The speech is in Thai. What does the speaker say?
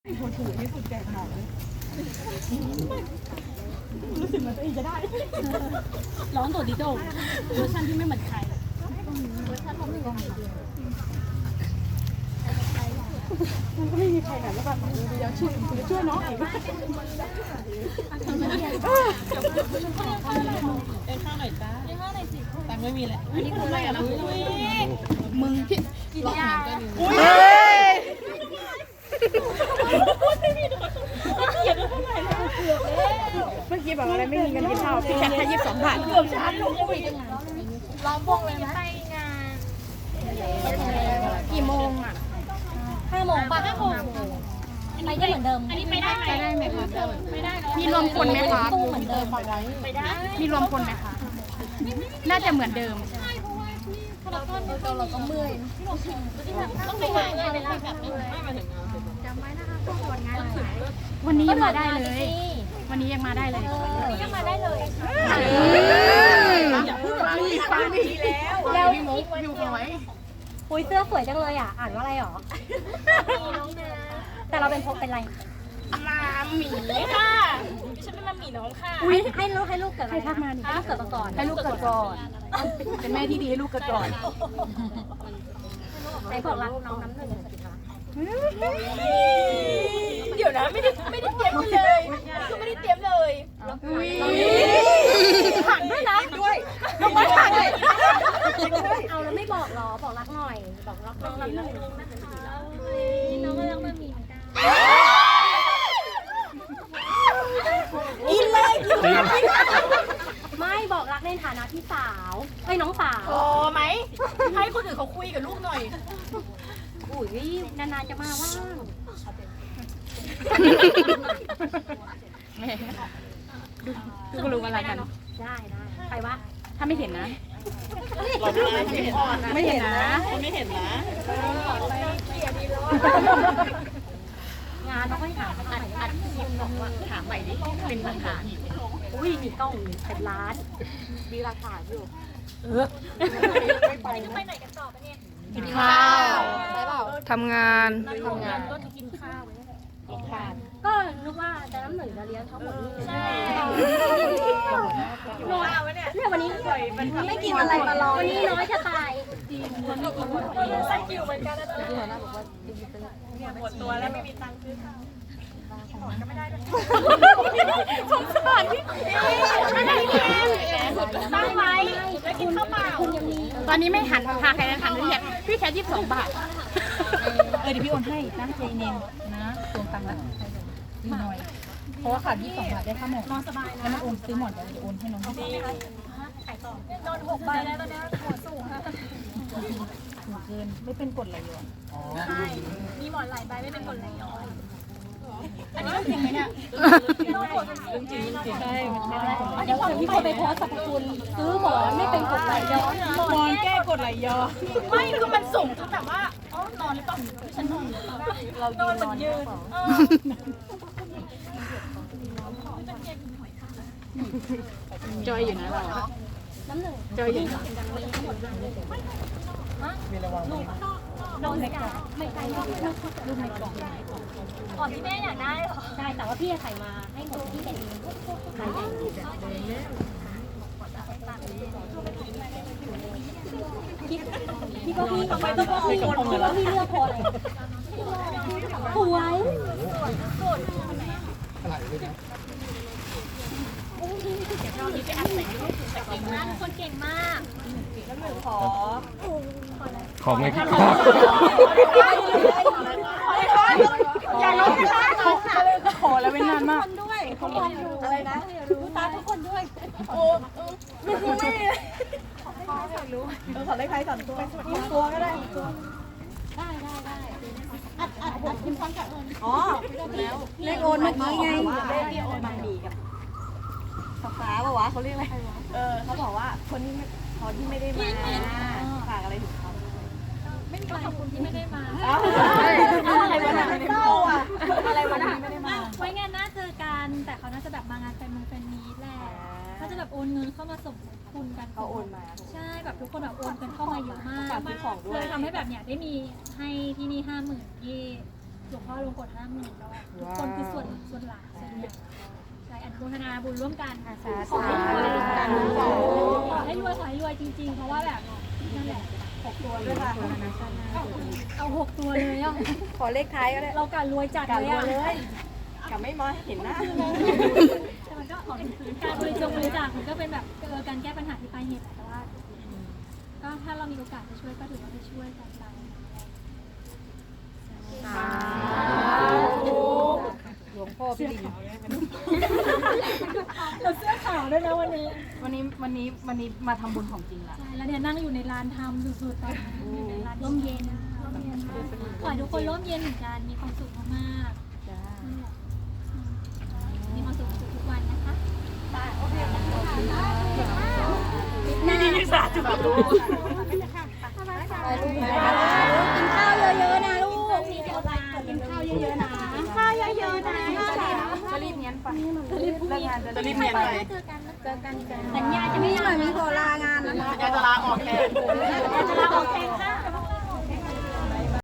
คนถูกที่สุดแจกหนอนเลยรู้สึกเหมือนตัวเองจะได้ร้องตัวดิโดเวอร์ชันที่ไม่เหมือนใครเวอร์ชันผมไม่เหมือนใครมันก็ไม่มีใครไหนแล้วแบบเดี๋ยวช่วยน้องอีกเอ็นข้าวหน่อยจ้าเอ็นข้าวหน่อยสิตังไม่มีแหละอันนี้คืออะไรอ่ะมึงพี่ร้องเหมือนกันอุ้ยเมื่อกี้บอกอะไรไม่มีเงินกินข้าวพี่แค่22 บาทเกือบชั้นลงไปยังไงร้องวงเลยไหมไปงานกี่โมงอ่ะ5 โมงป่ะ5 โมงไปได้เหมือนเดิมอันนี้ไปได้ไหมคะไม่ได้มีรวมคนไหมคะตู้เหมือนเดิมไปได้มีรวมคนไหมคะน่าจะเหมือนเดิมใช่เพราะว่าที่พารากอนเราก็เมื่อยต้องไปหางานแบบนี้ไม่มาถึงจำไว้นะคะพวกคนงานวันนี้ยังมาได้เลยวันนี้ยังมาได้เลยวันนี้ยังมาได้เลยอย่าพูดว่ามีฟังดีแล้วพี่มุกอยู่สวยอุ้ยเสื้อสวยจังเลยอ่ะอ่านว่าอะไรหรอแต่เราเป็นพกเป็นไรมาหมีค่ะฉันเป็นมาหมีน้องค่ะอุ้ยให้ลูกเกิดอะไรทักมาให้ลูกเกิดก่อนให้ลูกเกิดก่อนเป็นแม่ที่ดีให้ลูกเกิดก่อนไหนบอกรักน้องน้ำหนึ่งสิคะเดี๋ยวนะไม่ได้เตรียมเลยคือไม่ได้เตรียมเลยหันด้วยนะด้วยลงมาหันเลยเอาแล้วไม่บอกหรอบอกรักหน่อยบอกรักน้องน้ำหนึ่งน้องก็รักมันมีเหมือนกันกินเลยไม่บอกรักในฐานะพี่สาวให้น้องสาวพอไหมให้คนอื่นเขาคุยกับลูกหน่อยอุ้ยนานๆจะมาว่างดูก็รู้ว่าอะไรกันได้ใครวะถ้าไม่เห็นนะไม่เห็นนะไม่เห็นนะงานต้องให้ถามอัดคลิปบอกว่าถามใหม่ดิเป็นหลักฐานอุ้ยมีกล้องเป็นล้านมีหลักฐานอยู่ไม่ไปไหนกันต่อปะเนี่ยกินข้าวทำงานก็กินข้าวก็นึกว่าจะน้ำหนึ่งจะเลี้ยงทั้งหมดนี่ใช่น้อยเอาไว้เนี่ยวันนี้ไม่กินอะไรมาลองวันนี้น้อยจะตายจริงคนไม่กินใส่กิวเหมือนกันนะที่หัวหน้าบอกว่าเนี่ยหมดตัวแล้วไม่มีตังค์ซื้อข้าวก็ไม่ได้ด้วยสงสารพี่ไม่ได้ตั้งไว้แล้วกินข้าวเปล่าตอนนี้ไม่หันพาใครหันพี่แค่22 บาทเดี๋ยวพี่โอนให้นะใจเย็นนะตวงตังค์แล้วนิดหน่อยเพราะว่าขาด22 บาทได้ค่าหมอนนอนสบายนะแล้วมันโอนซื้อหมอนเดี๋ยวโอนให้น้องดีนอน6 ใบแล้วตอนนี้หัวสูงค่ะหัวเกินไม่เป็นกรดไหลย้อนใช่มีหมอนหลายใบไม่เป็นกรดไหลย้อนอันนี้จริงไหมเนี่ยจริงใช่เดี๋ยวพี่คนไปโพสต์สรรพคุณซื้อหมอนไม่เป็นกรดไหลย้อนหมอนแก้กรดไหลย้อนไม่คือมันสูงจนแบบว่านอนหรือเปล่าฉันนอนเรานอนเหมือนยืนจอยอยู่นะเราน้ำหนึ่งจอยอยู่มีระวังลูกในกล่องไม่ใช่ลูกในกล่องอ๋อที่แม่อยากได้เหรอใช่แต่ว่าพี่จะใส่มาให้หมดที่เป็นใส่ใหญ่พี่ก็พี่ทำไมต้องพี่ก็พี่เลือกพอเลยสวยไปอัดใส่ลูกเก่งมากคนเก่งมากแล้วหนูขอไงพี่อย่าล้มนะคะขอแล้วเป็นนานมากด้วยคนดูอะไรนะรู้ตาทุกคนด้วยโอ้ไม่รู้ขอได้ใครสั่นตัวก็ได้อัดคุณฟังกับอ๋อแล้วเลขโอนเมื่อกี้ไงเลขที่โอนมาดีกับฟ้าป่าวะเขาเรียกอะไรเขาบอกว่าคนที่ไม่ได้มาฝากอะไรถึงเขาไม่มีขอบคุณที่ไม่ได้มาอะไรวะเนี่ยเศร้าอ่ะอะไรวะเนี่ยไม่ได้มาไว้งานหน้าเจอกันแต่เขาน่าจะแบบมางานแฟนมีตแหละเขาจะแบบโอนเงินเข้ามาสมทบกันเขาโอนมาใช่แบบทุกคนแบบโอนกันเข้ามาเยอะมากเลยทำให้แบบเนี้ยได้มีให้ที่นี่50,000ที่ลวงพ่อลงกด50,000แล้วทุกคนคือส่วนหลักใช่อนุโมทนาบุญร่วมกันขอให้รวยจริงๆเพราะว่าแบบนั่นแหละ6 ตัวด้วยค่ะเอา6 ตัวเลยอ่ะขอเลขท้ายก็ได้เราการรวยจัดเลยอ่ะกับไม่มาเห็นหน้าแต่มันก็การบริจาคมันก็เป็นแบบการแก้ปัญหาที่ปลายเหตุแต่ว่าก็ถ้าเรามีโอกาสจะช่วยก็ถือว่าไปช่วยกันไปหลวงพ่อพี่ลิงเราเสื้อขาวด้วยนะวันนี้วันนี้มาทำบุญของจริงละใช่แล้วเนี่ยนั่งอยู่ในลานทำสุดๆตอนนี้อยู่ในลานร่มเย็นขอให้ทุกคนร่มเย็นเหมือนกันมีความสุขมากๆมีความสุขทุกวันนะคะนี่สาธุกินข้าวเยอะๆนะลูกกินข้าวเยอะๆนะข้าวเยอะๆนะจะรีบเนียนไปจะรีบเนียนไปเจอกันสัญญาจะไม่หน่อยมีขอลางานนะสัญญาจะลาออกแทน